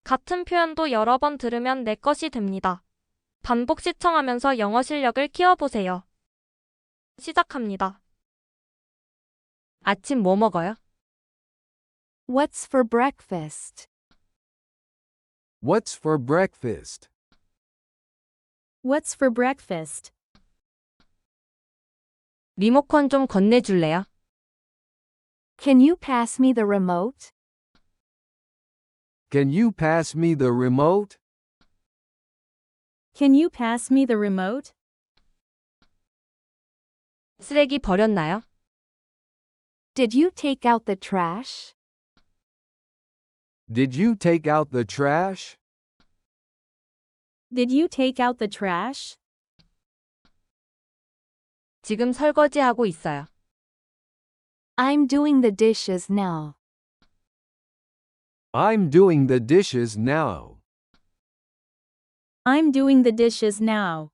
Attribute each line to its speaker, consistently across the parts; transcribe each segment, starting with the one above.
Speaker 1: 같은 표현도 여러 번 들으면 내 것이 됩니다. 반복 시청하면서 영어 실력을 키워보세요. 시작합니다. 아침 뭐 먹어요?
Speaker 2: What's for breakfast?
Speaker 3: What's for breakfast?
Speaker 4: What's for breakfast?
Speaker 1: 리모컨 좀 건네줄래요?
Speaker 2: Can you pass me the remote?
Speaker 3: Can you pass me the remote?
Speaker 4: Can you pass me the remote?
Speaker 1: 쓰레기 버렸나요?
Speaker 2: Did you take out the trash?
Speaker 3: Did you take out the trash?
Speaker 4: Did you take out the trash?
Speaker 1: 지금 설거지하고 있어요.
Speaker 2: I'm doing the dishes now.
Speaker 3: I'm doing the dishes now.
Speaker 4: I'm doing the dishes now.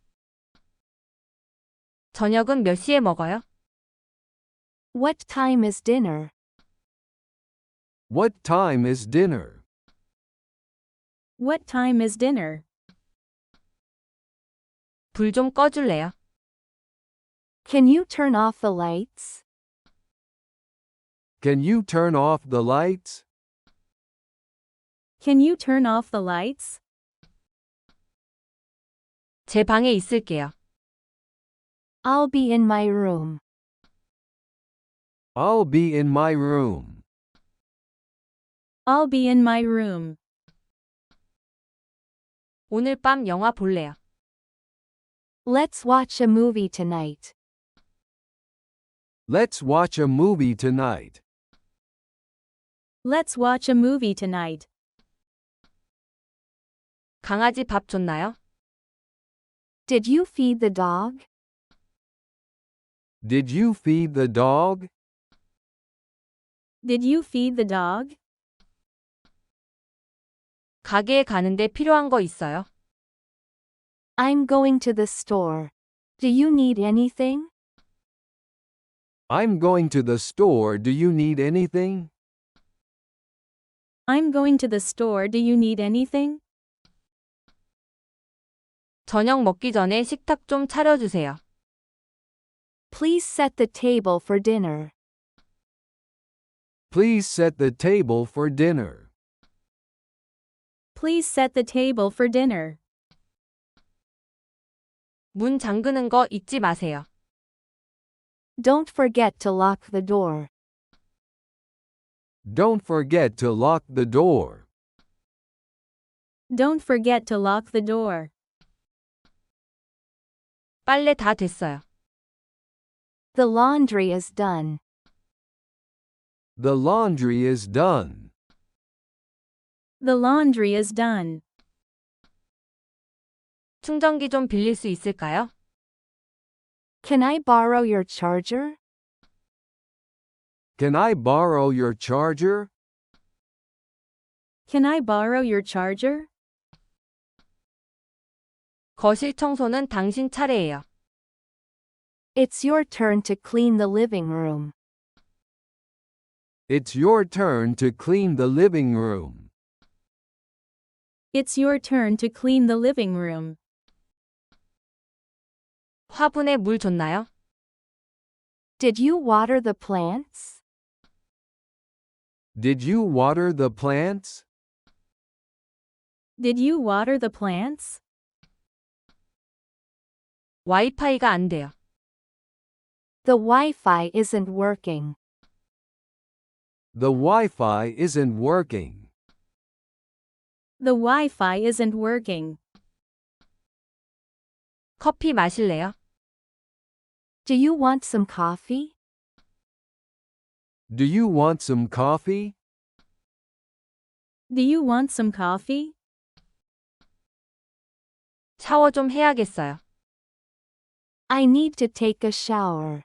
Speaker 1: 저녁은 몇 시에 먹어요?
Speaker 2: What time is dinner?
Speaker 3: What time is dinner?
Speaker 4: What time is dinner?
Speaker 1: 불 좀 꺼줄래요?
Speaker 2: Can you turn off the lights?
Speaker 3: Can you turn off the lights?
Speaker 4: Can you turn off the lights?
Speaker 1: 제 방에 있을게요.
Speaker 2: I'll be in my room.
Speaker 3: I'll be in my room.
Speaker 4: I'll be in my room.
Speaker 1: 오늘 밤 영화 볼래요.
Speaker 2: Let's watch a movie tonight.
Speaker 3: Let's watch a movie tonight.
Speaker 4: Let's watch a movie tonight.
Speaker 1: 강아지 밥 줬나요?
Speaker 2: Did you feed the dog?
Speaker 3: Did you feed the dog?
Speaker 4: Did you feed the dog?
Speaker 1: 가게에 가는데 필요한 거 있어요?
Speaker 2: I'm going to the store. Do you need anything?
Speaker 3: I'm going to the store. Do you need anything?
Speaker 4: I'm going to the store. Do you need anything?
Speaker 1: 저녁 먹기 전에 식탁 좀 차려주세요.
Speaker 2: Please set the table for dinner.
Speaker 3: Please set the table for dinner.
Speaker 4: Please set the table for dinner.
Speaker 1: 문 잠그는 거 잊지 마세요.
Speaker 2: Don't forget to lock the door.
Speaker 3: Don't forget to lock the door.
Speaker 4: Don't forget to lock the door.
Speaker 1: 빨래 다 됐어요.
Speaker 2: The laundry is done.
Speaker 3: The laundry is done.
Speaker 4: The laundry is done.
Speaker 1: 충전기 좀 빌릴 수 있을까요?
Speaker 2: Can I borrow your charger?
Speaker 3: Can I borrow your charger?
Speaker 4: Can I borrow your charger?
Speaker 1: 거실 청소는 당신 차례예요.
Speaker 2: It's your turn to clean the living room.
Speaker 3: It's your turn to clean the living room.
Speaker 4: It's your turn to clean the living room.
Speaker 1: 화분에 물 줬나요?
Speaker 2: Did you water the plants?
Speaker 3: Did you water the plants?
Speaker 4: Did you water the plants?
Speaker 1: 와이파이가 안 돼요.
Speaker 2: The Wi-Fi isn't working.
Speaker 3: The Wi-Fi isn't working.
Speaker 4: The Wi-Fi isn't working.
Speaker 1: 커피 마실래요?
Speaker 2: Do you want some coffee?
Speaker 3: Do you want some coffee?
Speaker 4: Do you want some coffee?
Speaker 1: 샤워 좀 해야겠어요.
Speaker 2: I need to take a shower.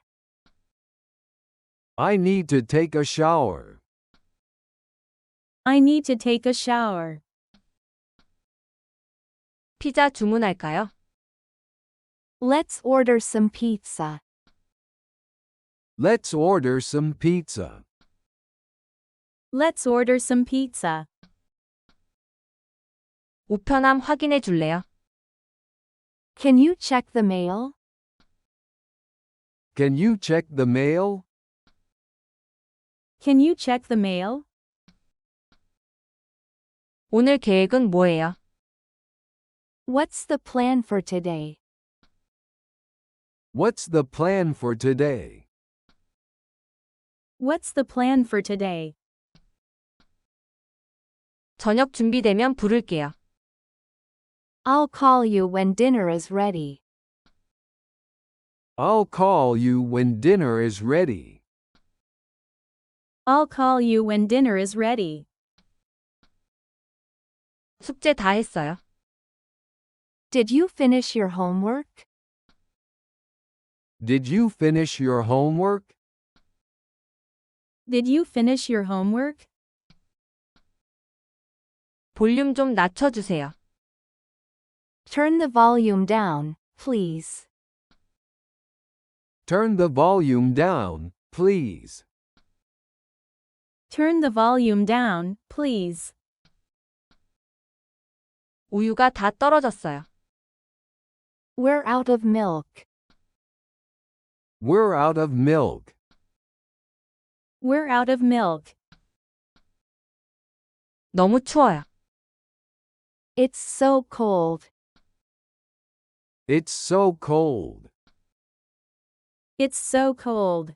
Speaker 3: I need to take a shower.
Speaker 4: I need to take a shower.
Speaker 1: 피자 주문할까요?
Speaker 2: Let's order some pizza.
Speaker 3: Let's order some pizza.
Speaker 4: Let's order some pizza.
Speaker 1: 우편함 확인해 줄래요?
Speaker 2: Can you check the mail?
Speaker 3: Can you check the mail?
Speaker 4: Can you check the mail?
Speaker 1: 오늘 계획은 뭐예요?
Speaker 2: What's the plan for today?
Speaker 3: What's the plan for today?
Speaker 4: What's the plan for today?
Speaker 1: 저녁 준비되면 부를게요.
Speaker 2: I'll call you when dinner is ready.
Speaker 3: I'll call you when dinner is ready.
Speaker 4: I'll call you when dinner is ready.
Speaker 1: 숙제 다 했어요.
Speaker 2: Did you finish your homework?
Speaker 3: Did you finish your homework?
Speaker 4: Did you finish your homework?
Speaker 1: 볼륨 좀 낮춰주세요.
Speaker 2: Turn the volume down, please.
Speaker 3: Turn the volume down, please.
Speaker 4: Turn the volume down, please.
Speaker 1: 우유가 다 떨어졌어요.
Speaker 2: We're out of milk.
Speaker 3: We're out of milk.
Speaker 4: We're out of milk.
Speaker 1: 너무 추워요.
Speaker 2: It's so cold.
Speaker 3: It's so cold.
Speaker 4: It's so cold.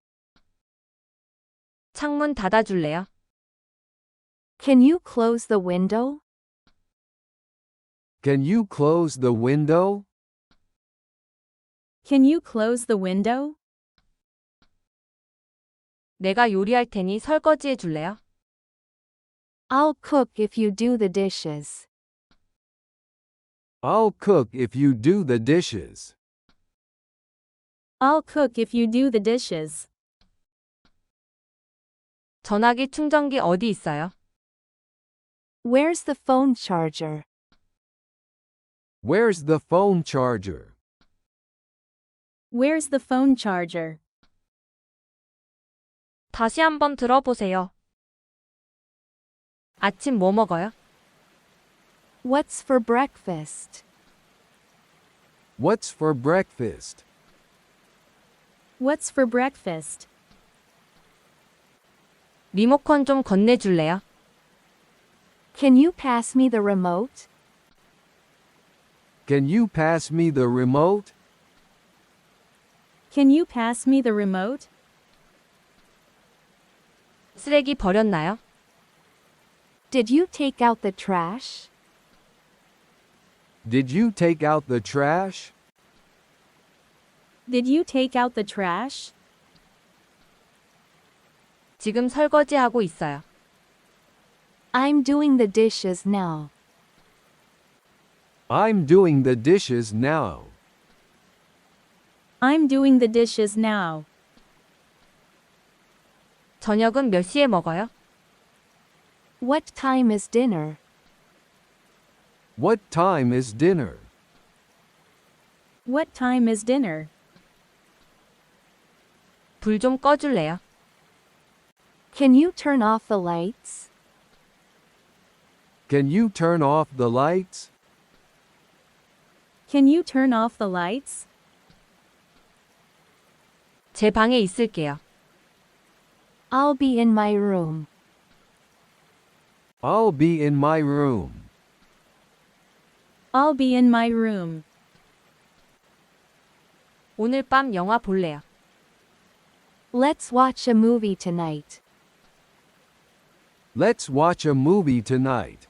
Speaker 1: 창문 닫아줄래요?
Speaker 2: Can you close the window?
Speaker 3: Can you close the window?
Speaker 4: Can you close the window?
Speaker 1: 내가 요리할 테니 설거지해 줄래요?
Speaker 2: I'll cook if you do the dishes.
Speaker 3: I'll cook if you do the dishes.
Speaker 4: I'll cook if you do the dishes.
Speaker 1: 전화기 충전기 어디 있어요?
Speaker 2: Where's the phone charger?
Speaker 3: Where's the phone charger?
Speaker 4: Where's the phone charger?
Speaker 1: 다시 한번 들어보세요. 아침 뭐 먹어요?
Speaker 2: What's for breakfast?
Speaker 3: What's for breakfast?
Speaker 4: What's for breakfast?
Speaker 1: 리모컨 좀 건네줄래요?
Speaker 2: Can you pass me the remote?
Speaker 3: Can you pass me the remote?
Speaker 4: Can you pass me the remote?
Speaker 1: 쓰레기 버렸나요?
Speaker 2: Did you take out the trash?
Speaker 3: Did you take out the trash?
Speaker 4: Did you take out the trash?
Speaker 1: 지금 설거지하고 있어요.
Speaker 2: I'm doing the dishes now.
Speaker 3: I'm doing the dishes now.
Speaker 4: I'm doing the dishes now.
Speaker 1: 저녁은 몇 시에 먹어요?
Speaker 2: What time is dinner?
Speaker 3: What time is dinner?
Speaker 4: What time is dinner?
Speaker 1: 불 좀 꺼줄래요?
Speaker 2: Can you turn off the lights?
Speaker 3: Can you turn off the lights?
Speaker 4: Can you turn off the lights?
Speaker 1: 제 방에 있을게요.
Speaker 2: I'll be in my room.
Speaker 3: I'll be in my room.
Speaker 4: I'll be in my room.
Speaker 1: 오늘 밤 영화 볼래요.
Speaker 2: Let's watch a movie tonight.
Speaker 3: Let's watch a movie tonight.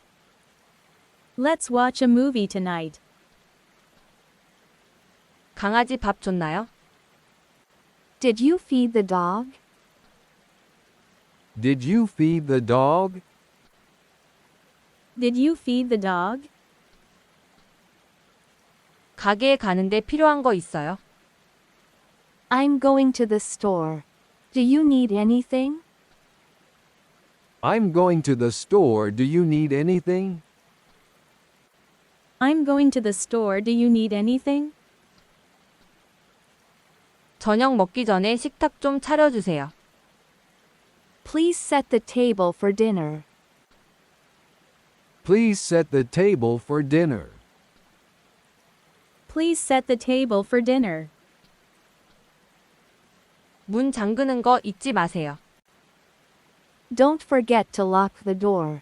Speaker 4: Let's watch a movie tonight.
Speaker 1: 강아지 밥 줬나요?
Speaker 2: Did you feed the dog?
Speaker 3: Did you feed the dog?
Speaker 4: Did you feed the dog?
Speaker 1: 가게에 가는데 필요한 거 있어요?
Speaker 2: I'm going to the store. Do you need anything?
Speaker 3: I'm going to the store. Do you need anything?
Speaker 4: I'm going to the store. Do you need anything?
Speaker 1: 저녁 먹기 전에 식탁 좀 차려주세요.
Speaker 2: Please set the table for dinner.
Speaker 3: Please set the table for dinner.
Speaker 4: Please set the table for dinner.
Speaker 1: 문 잠그는 거 잊지 마세요.
Speaker 2: Don't forget to lock the door.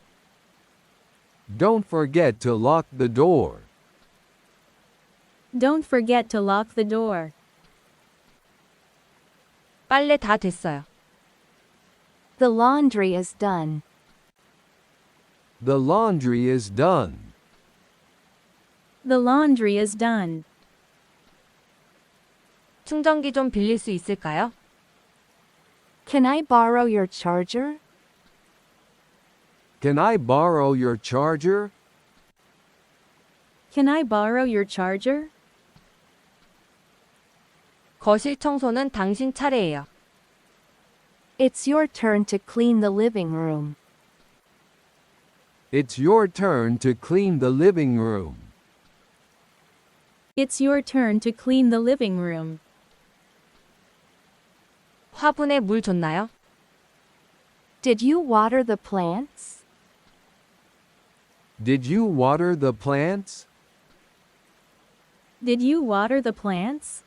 Speaker 3: Don't forget to lock the door.
Speaker 4: Don't forget to lock the door.
Speaker 1: 빨래 다 됐어요.
Speaker 2: The laundry is done.
Speaker 3: The laundry is done.
Speaker 4: The laundry is done.
Speaker 1: 충전기 좀 빌릴 수 있을까요?
Speaker 2: Can I borrow your charger?
Speaker 3: Can I borrow your charger?
Speaker 4: Can I borrow your charger?
Speaker 1: 거실 청소는 당신 차례예요.
Speaker 2: It's your turn to clean the living room.
Speaker 3: It's your turn to clean the living room.
Speaker 4: It's your turn to clean the living room.
Speaker 1: 화분에 물 줬나요?
Speaker 2: Did you water the plants?
Speaker 3: Did you water the plants?
Speaker 4: Did you water the plants?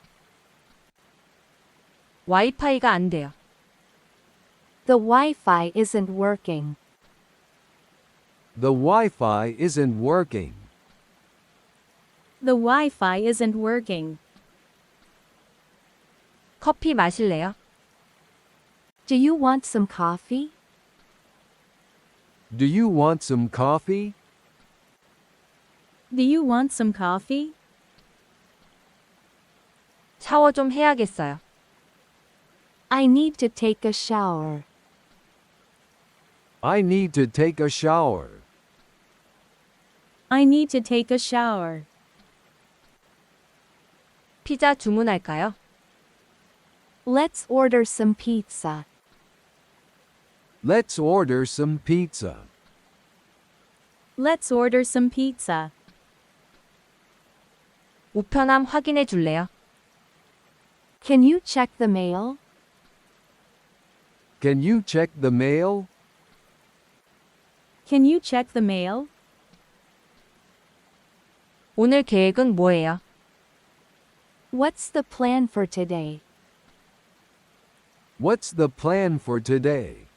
Speaker 1: 와이파이가 안 돼요.
Speaker 2: The Wi-Fi isn't working.
Speaker 3: The Wi-Fi isn't working.
Speaker 4: The Wi-Fi isn't working.
Speaker 1: 커피 마실래요?
Speaker 2: Do you want some coffee?
Speaker 3: Do you want some coffee?
Speaker 4: Do you want some coffee?
Speaker 1: 샤워 좀 해야겠어요.
Speaker 2: I need to take a shower.
Speaker 3: I need to take a shower.
Speaker 4: I need to take a shower.
Speaker 1: 피자 주문할까요?
Speaker 2: Let's order some pizza.
Speaker 3: Let's order some pizza.
Speaker 4: Let's order some pizza.
Speaker 1: 우편함 확인해 줄래요?
Speaker 2: Can you check the mail?
Speaker 3: Can you check the mail?
Speaker 4: Can you check the mail?
Speaker 1: 오늘 계획은 뭐예요?
Speaker 2: What's the plan for today?
Speaker 3: What's the plan for today?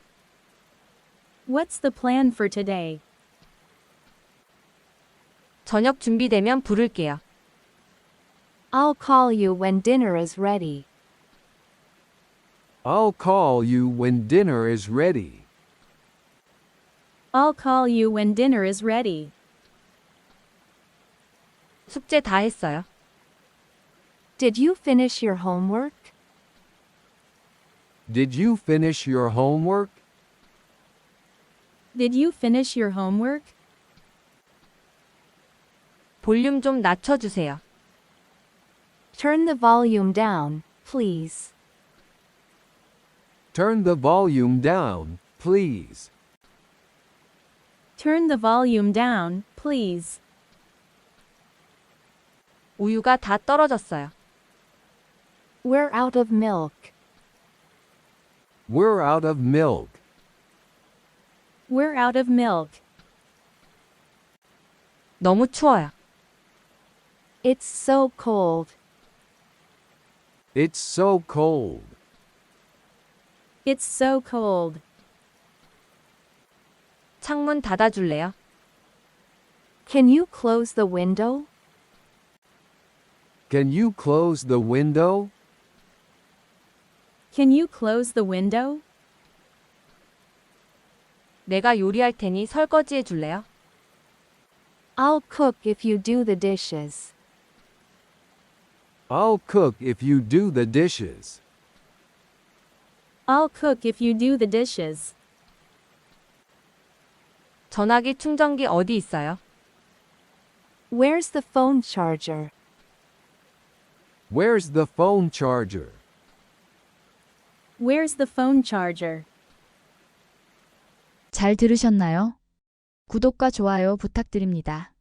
Speaker 4: What's the plan for today?
Speaker 1: 저녁 준비되면 부를게요.
Speaker 2: I'll call you when dinner is ready.
Speaker 3: I'll call you when dinner is ready.
Speaker 4: I'll call you when dinner is ready.
Speaker 1: 숙제 다 했어요.
Speaker 2: Did you finish your homework?
Speaker 3: Did you finish your homework?
Speaker 4: Did you finish your homework?
Speaker 1: 볼륨 좀 낮춰주세요.
Speaker 2: Turn the volume down, please.
Speaker 3: Turn the volume down, please.
Speaker 4: Turn the volume down, please.
Speaker 1: 우유가 다 떨어졌어요.
Speaker 2: We're out of milk.
Speaker 3: We're out of milk.
Speaker 4: We're out of milk.
Speaker 1: 너무 추워요.
Speaker 2: It's so cold.
Speaker 3: It's so cold.
Speaker 4: It's so cold.
Speaker 1: 창문 닫아줄래요?
Speaker 2: Can you close the window?
Speaker 3: Can you close the window?
Speaker 4: Can you close the window?
Speaker 1: 내가 요리할 테니 설거지해 줄래요?
Speaker 2: I'll cook if you do the dishes.
Speaker 3: I'll cook if you do the dishes.
Speaker 4: I'll cook if you do the dishes.
Speaker 1: 전화기 충전기 어디 있어요?
Speaker 2: Where's the phone charger?
Speaker 3: Where's the phone charger?
Speaker 4: Where's the phone charger?
Speaker 5: 잘 들으셨나요? 구독과 좋아요 부탁드립니다.